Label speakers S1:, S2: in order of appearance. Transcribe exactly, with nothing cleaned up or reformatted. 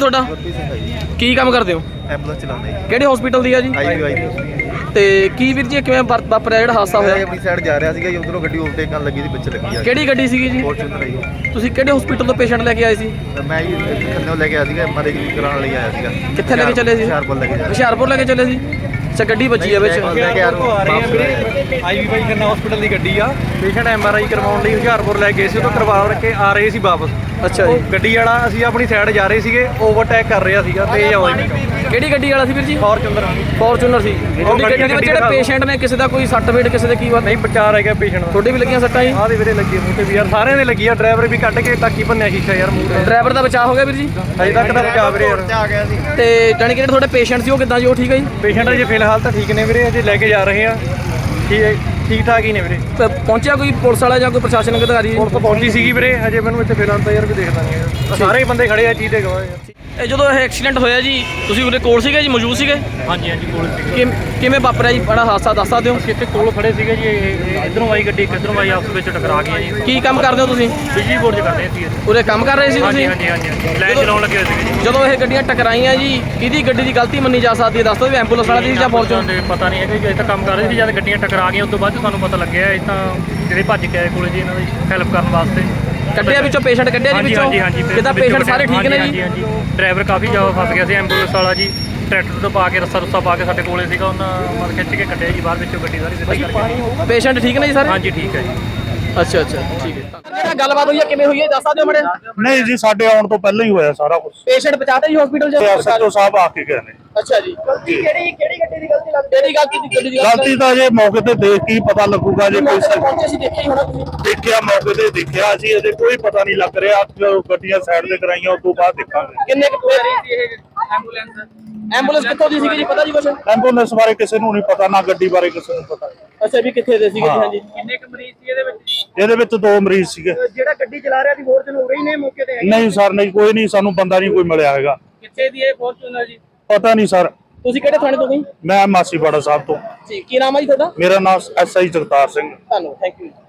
S1: ਤੁਹਾਡਾ? ਕੀ ਕੰਮ ਕਰਦੇ ਹੋ?
S2: ਐਂਬੂਲੈਂਸ ਚਲਾਉਂਦੇ
S1: ਕਿਹੜੇ ਹਸਪੀਟਲ ਦੀ ਆ ਜੀ? ਤੇ ਕੀ ਵੀਰ ਜੀ ਕਿਵੇਂ ਵਾਪਰਿਆ ਜਿਹੜਾ ਹਾਦਸਾ ਹੋਇਆ?
S2: ਆਪਣੀ ਸਾਈਡ ਜਾ ਰਿਹਾ ਸੀਗਾ ਜੀ, ਉਧਰੋਂ ਗੱਡੀ ਓਵਰਟੇਕ ਕਰਨ ਲੱਗੀ ਸੀ, ਵਿੱਚ ਲੱਗੀ ਆ।
S1: ਕਿਹੜੀ ਗੱਡੀ ਸੀਗੀ ਜੀ?
S2: ਫੋਰਚੂਨਰ ਆਈ।
S1: ਤੁਸੀਂ ਕਿਹੜੇ ਹਸਪੀਟਲ ਤੋਂ ਪੇਸ਼ੈਂਟ ਲੈ ਕੇ ਆਏ ਸੀ?
S2: ਮੈਂ ਜੀ ਖੰਨੇੋਂ ਲੈ ਕੇ ਆਇਆ ਸੀਗਾ, ਐਮਆਰਆਈ ਕਰਾਉਣ ਲਈ ਆਇਆ ਸੀਗਾ।
S1: ਕਿੱਥੇ ਲੈ ਕੇ ਚੱਲੇ ਸੀ?
S2: ਹੁਸ਼ਿਆਰਪੁਰ ਲੈ ਕੇ ਜਾ
S1: ਹੁਸ਼ਿਆਰਪੁਰ ਲੈ ਕੇ ਚੱਲੇ ਸੀ। ਅੱਛਾ, ਗੱਡੀ ਵੱਜੀ ਆ ਵਿੱਚ।
S2: ਲੈ ਕੇ ਆ ਰਹੇ
S3: ਆਈਵੀ ਬਾਈ ਖੰਨਾ ਹਸਪੀਟਲ ਦੀ ਗੱਡੀ ਆ। ਪੇਸ਼ੈਂਟ ਐਮਆਰਆਈ ਕਰਵਾਉਣ ਲਈ ਹੁਸ਼ਿਆਰਪੁਰ ਲੈ ਗਏ ਸੀ, ਉਹ ਕਰਵਾ ਕੇ ਆ ਰਹੇ ਸੀ ਵਾਪਸ।
S1: ਅੱਛਾ ਜੀ।
S3: ਗੱਡੀ ਵਾਲਾ ਅਸੀਂ ਆਪਣੀ ਸਾਈਡ ਜਾ ਰਹੇ ਸੀਗੇ, ਓਵਰਟੇਕ ਕਰ ਰਿਹਾ ਸੀਗਾ ਤੇਜ਼ ਆਵਾਜ਼।
S1: ਕਿਹੜੀ ਗੱਡੀ ਵਾਲਾ ਸੀ ਵੀਰ ਜੀ?
S3: ਫੋਰਚੂਨਰ
S1: ਫੋਰਚੂਨਰ ਸੀ। ਤੁਹਾਡੀ ਗੱਡੀ ਦੇ ਵਿੱਚ ਜਿਹੜੇ ਪੇਸ਼ੈਂਟ ਨੇ, ਕਿਸੇ ਦਾ ਕੋਈ ਸੱਟ ਫੇਟ, ਕਿਸੇ ਦੇ ਕੀ ਵਾ?
S3: ਨਹੀਂ, ਬਚਾ ਰਹਿ ਗਿਆ ਪੇਸ਼ੈਂਟ।
S1: ਤੁਹਾਡੇ ਵੀ ਲੱਗੀਆਂ ਸੱਟਾਂ ਜੀ?
S3: ਆਹ ਦੇ ਵੀਰੇ ਲੱਗੀ ਮੂੰਹ ਤੇ ਵੀ ਯਾਰ, ਸਾਰਿਆਂ ਦੇ ਲੱਗੀ ਆ। ਡਰਾਈਵਰ ਵੀ ਕੱਢ ਕੇ ਟਾਕੀ ਭੰਨਿਆ ਸ਼ੀਸ਼ਾ ਯਾਰ ਮੂੰਹ ਤੇ।
S1: ਡਰਾਈਵਰ ਦਾ ਬਚਾਅ ਹੋ ਗਿਆ ਵੀਰ ਜੀ?
S3: ਅਜੇ ਤੱਕ ਤਾਂ ਬਚਾ ਵੀਰੇ ਯਾਰ।
S2: ਆ ਗਿਆ ਸੀ।
S1: ਤੇ ਜਾਣੀ ਕਿ ਜਿਹੜੇ ਤੁਹਾਡੇ ਪੇਸ਼ੈਂਟ ਸੀ ਉਹ ਕਿੱਦਾਂ ਜੀ? ਉਹ ਠੀਕ ਹੈ ਜੀ?
S3: ਪੇਸ਼ੈਂਟ ਅਜੇ ਫਿਲਹਾਲ ਤਾਂ ਠੀਕ ਨੇ ਵੀਰੇ, ਅਜੇ ਲੈ ਕੇ ਜਾ ਰਹੇ ਆ। ਠੀਕ ਹੈ, ਠੀਕ ਠਾਕ ਹੀ ਨੇ ਵੀਰੇ।
S1: ਪ- ਪਹੁੰਚਿਆ ਕੋਈ ਪੁਲਿਸ ਵਾਲਾ ਜਾਂ ਕੋਈ ਪ੍ਰਸ਼ਾਸਨਿਕ ਅਧਿਕਾਰੀ?
S3: ਪੁਲਿਸ ਤਾਂ ਪਹੁੰਚੀ ਸੀਗੀ ਵੀਰੇ, ਹਜੇ ਮੈਨੂੰ ਇੱਥੇ ਫਿਲਹਾਲ ਤਾਂ ਯਾਰ ਵੀ ਦੇਖਦਾ ਨਹੀਂ। ਸਾਰੇ ਬੰਦੇ ਖੜੇ ਆ, ਚੀਜ਼ ਦੇ ਗਵਾਹ ਯਾਰ।
S1: ਇਹ ਜਦੋਂ ਇਹ ਐਕਸੀਡੈਂਟ ਹੋਇਆ ਜੀ, ਤੁਸੀਂ ਉਹਦੇ ਕੋਲ ਸੀਗੇ ਜੀ? ਮੌਜੂਦ ਸੀਗੇ?
S3: ਹਾਂਜੀ ਹਾਂਜੀ, ਕੋਲ ਸੀਗੇ।
S1: ਕਿ ਕਿਵੇਂ ਵਾਪਰਿਆ ਜੀ ਬੜਾ ਹਾਦਸਾ, ਦੱਸ ਸਕਦੇ ਹੋ?
S3: ਅਸੀਂ ਇੱਥੇ ਕੋਲ ਖੜੇ ਸੀਗੇ ਜੀ, ਇਧਰੋਂ ਆਈ ਗੱਡੀ, ਕਿੱਧਰੋਂ ਆਈ, ਆਪਸ ਵਿੱਚ ਟਕਰਾ ਗਈਆਂ ਜੀ।
S1: ਕੀ ਕੰਮ ਕਰਦੇ ਹੋ ਤੁਸੀਂ?
S3: ਬਿਜਲੀ ਬੋਰਡ 'ਚ ਕਰਦੇ ਸੀ।
S1: ਉਰੇ ਕੰਮ ਕਰ ਰਹੇ ਸੀ
S3: ਹਾਂਜੀ
S1: ਤੁਸੀਂ?
S3: ਹਾਂਜੀ ਹਾਂਜੀ, ਲਾਈਨ ਚਲਾਉਣ ਲੱਗੇ ਹੋਏ ਸੀਗੇ ਜੀ।
S1: ਜਦੋਂ ਇਹ ਗੱਡੀਆਂ ਟਕਰਾਈਆਂ ਜੀ, ਕਿਹਦੀ ਗੱਡੀ ਦੀ ਗਲਤੀ ਮੰਨੀ ਜਾ ਸਕਦੀ ਹੈ? ਦੱਸ ਦਿਓ ਵੀ ਐਂਬੂਲੈਂਸ ਵਾਲਾ ਦੀ ਜਾਂ ਫੋਰਚੂਨਰ?
S3: ਦੇ ਪਤਾ ਨਹੀਂ ਹੈ ਕਿ ਇਹ ਤਾਂ ਕੰਮ ਕਰ ਰਹੇ ਸੀ, ਜਦ ਗੱਡੀਆਂ ਟਕਰਾ ਗਈਆਂ ਉਸ ਤੋਂ ਬਾਅਦ ਸਾਨੂੰ ਪਤਾ ਲੱਗਿਆ ਇਹ ਤਾਂ ਜਿਹੜੇ ਭੱਜ ਕੇ ਆਏ ਕੋਲੇ ਜੀ ਇਹਨਾਂ ਦੀ ਹੈਲਪ ਕਰਨ ਵਾਸਤੇ।
S1: ਕੱਢਿਆ ਵਿੱਚੋਂ ਪੇਸ਼ੈਂਟ, ਕੱਢਿਆ ਜੀ
S3: ਹਾਂਜੀ
S1: ਵਿੱਚੋਂ?
S3: ਹਾਂਜੀ ਹਾਂਜੀ,
S1: ਕਿੱਦਾਂ ਪੇਸ਼ੈਂਟ ਸਾਰੇ ਠੀਕ ਨੇ ਜੀ?
S3: ਹਾਂਜੀ ਹਾਂਜੀ, ਡਰਾਈਵਰ ਕਾਫੀ ਜ਼ਿਆਦਾ ਫਸ ਗਿਆ ਸੀ। ਐਂਬੂਲੈਂਸ ਵਾਲਾ ਜੀ ਟਰੈਕਟਰ ਤੋਂ ਪਾ ਕੇ ਰੱਸਾ ਰੁੱਸਾ ਪਾ ਕੇ ਸਾਡੇ ਕੋਲੇ ਸੀਗਾ, ਉਹਨਾਂ ਮਤਲਬ ਖਿੱਚ ਕੇ ਕੱਢਿਆ ਜੀ ਬਾਹਰ ਵਿੱਚੋਂ ਗੱਡੀ ਸਾਰੀ ਸਿੱਧੀ ਕਰਕੇ।
S1: ਪੇਸ਼ੈਂਟ ਠੀਕ ਨੇ ਜੀ ਸਾਰੇ?
S3: ਹਾਂਜੀ ਠੀਕ ਹੈ ਜੀ।
S1: ਅੱਛਾ ਅੱਛਾ, ਠੀਕ ਹੈ। ਜਿਹੜਾ ਗੱਲਬਾਤ ਹੋਈ ਹੈ ਕਿਵੇਂ ਹੋਈ ਹੈ, ਦੱਸ ਸਕਦੇ ਹੋ ਮੜੇ?
S4: ਨਹੀਂ ਜੀ, ਸਾਡੇ ਆਉਣ ਤੋਂ ਪਹਿਲਾਂ ਹੀ ਹੋਇਆ ਸਾਰਾ ਕੁਝ।
S1: ਪੇਸ਼ੈਂਟ ਪਹੁੰਚਾਤੇ ਜੀ ਹਸਪੀਟਲ ਚ?
S4: ਐਸਐਚਓ ਸਾਹਿਬ ਆ ਕੇ ਗਏ ਨੇ।
S1: ਅੱਛਾ ਜੀ। ਗਲਤੀ ਕਿਹੜੀ ਕਿਹੜੀ ਗੱਡੀ ਦੀ ਗਲਤੀ ਲੱਗਦੀ? ਕਿਹੜੀ ਗਲਤੀ ਦੀ ਗੱਡੀ ਦੀ
S4: ਗਲਤੀ ਤਾਂ ਜੇ ਮੌਕੇ ਤੇ ਦੇਖ ਕੇ ਹੀ ਪਤਾ ਲੱਗੂਗਾ। ਜੇ ਕੋਈ ਸ-
S1: ਪਹੁੰਚੇ ਸੀ, ਦੇਖਿਆ ਹੀ ਹੋਣਾ ਤੁਸੀਂ?
S4: ਦੇਖਿਆ, ਮੌਕੇ ਤੇ ਦੇਖਿਆ ਸੀ, ਅਜੇ ਕੋਈ ਪਤਾ ਨਹੀਂ ਲੱਗ ਰਿਹਾ। ਜਦੋਂ ਗੱਡੀਆਂ ਸਾਈਡ ਤੇ ਕਰਾਈਆਂ ਉਸ ਤੋਂ ਬਾਅਦ ਦੇਖਾਂਗੇ।
S1: ਕਿੰਨੇ ਕੁ ਆ ਰਹੀ ਸੀ ਇਹ ਐਂਬੂਲੈਂਸ? ਐਂਬੂਲੈਂਸ ਕਿੱਥੋਂ ਦੀ ਸੀਗੀ ਜੀ, ਪਤਾ ਜੀ ਕੁਛ?
S4: ਐਂਬੂਲੈਂਸ ਬਾਰੇ ਕਿਸੇ ਨੂੰ ਨਹੀਂ ਪਤਾ, ਨਾ ਗੱਡੀ ਬਾਰੇ ਕਿਸੇ ਨੂੰ ਪਤਾ।
S1: ਅੱਛਾ, ਵੀ ਕਿੱਥੇ ਦੇ ਸੀਗੇ ਜੀ?
S4: ਹਾਂ।
S1: ਹਾਂਜੀ। ਕਿੰਨੇ ਕੁ ਮਰੀਜ਼ ਸੀ ਇਹਦੇ ਵਿੱਚ?
S4: ਇਹਦੇ ਵਿੱਚ ਦੋ ਮਰੀਜ਼ ਸੀਗੇ।
S1: ਜਿਹੜਾ ਗੱਡੀ ਚਲਾ ਰਿਹਾ ਸੀ ਫੋਰਚੂਨਰ ਹੋ ਰਹੀ ਨੇ ਮੌਕੇ ਤੇ?
S4: ਨਹੀਂ ਸਰ, ਨਹੀਂ, ਕੋਈ ਨਹੀਂ, ਸਾਨੂੰ ਬੰਦਾ ਨਹੀਂ ਕੋਈ ਮਿਲਿਆ ਹੈਗਾ।
S1: ਕਿੱਥੇ ਦੀ ਇਹ ਫੋਰਚੂਨਰ ਜੀ?
S4: ਪਤਾ ਨਹੀਂ ਸਰ।
S1: ਤੁਸੀਂ ਕਿਹੜੇ ਥਾਣੇ ਤੋਂ ਗਈ?
S4: ਮੈਂ ਮਾਸੀਵਾੜਾ ਸਾਹਿਬ ਤੋਂ।
S1: ਜੀ, ਕੀ ਨਾਮ ਹੈ ਜੀ ਤੁਹਾਡਾ?
S4: ਮੇਰਾ ਨਾਮ ਐਸ ਆਈ ਜਗਤਾਰ ਸਿੰਘ।
S1: ਧੰਨਵਾਦ, ਥੈਂਕ ਯੂ।